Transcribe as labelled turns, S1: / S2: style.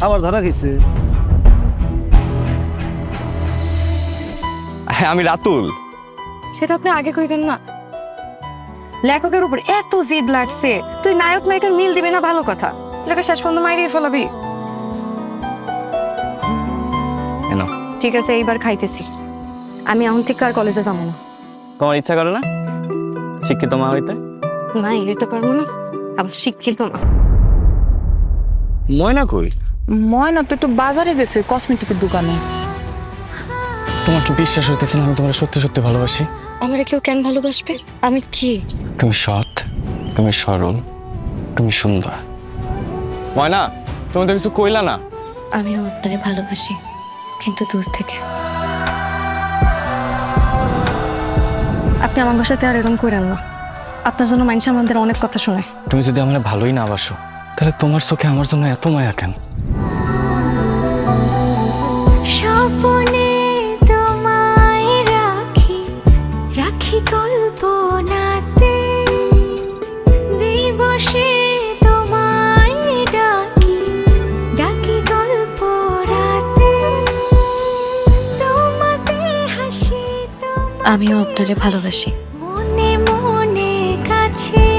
S1: আবার ধরা গেছে।
S2: হ্যাঁ আমি রাতুল।
S3: সেটা আপনি আগে কইবেন না। লেখকের উপর এত জিদ লাগছে, তুই নায়ক নায়িকার মিল দিবি না ভালো কথা, লেখা শেষ পর্যন্ত মাইরিয়ে ফেলাবি।
S2: কেন?
S3: ঠিক আছে এইবার খাইতেছি, আমি এখন থেকে আর কলেজে যাবো না।
S2: তোমার ইচ্ছা করে না শিক্ষিত মা হইতে?
S3: নাই এটা পারবো না, আবার শিক্ষিত না।
S2: ময়না কই?
S4: ময়না তো একটু বাজারে গেছে কসমেটিকের দোকানে।
S5: তোমার কি বিশ্বাস হইতেছে না আমি তোমার সত্যি সত্যি ভালোবাসি?
S3: আমার কেউ কেন ভালোবাসবে? আমি কি?
S5: তুমি সৎ, তুমি সরল, তুমি সুন্দর।
S2: ময়না তুমি তো কিছু কইলা না।
S3: আমিও আপনারে ভালোবাসি, কিন্তু দূর থেকে। আপনি আমার বাসাতে আর এরকম করেন না, আপনার জন্য মানুষ আমাদের অনেক কথা শোনে।
S5: তুমি যদি আমার ভালোই না বাসো তাহলে তোমার চোখে আমার জন্য এত মায়া কেন?
S6: স্বপ্নে তোমায় রাখি রাখি কল্পনাতে, দিবসে তোমায় ডাকি ডাকি গল্প রাতে, তোমাতে হাসি
S3: আমিও আপনারে ভালোবাসি।
S6: মনে মনে কাছে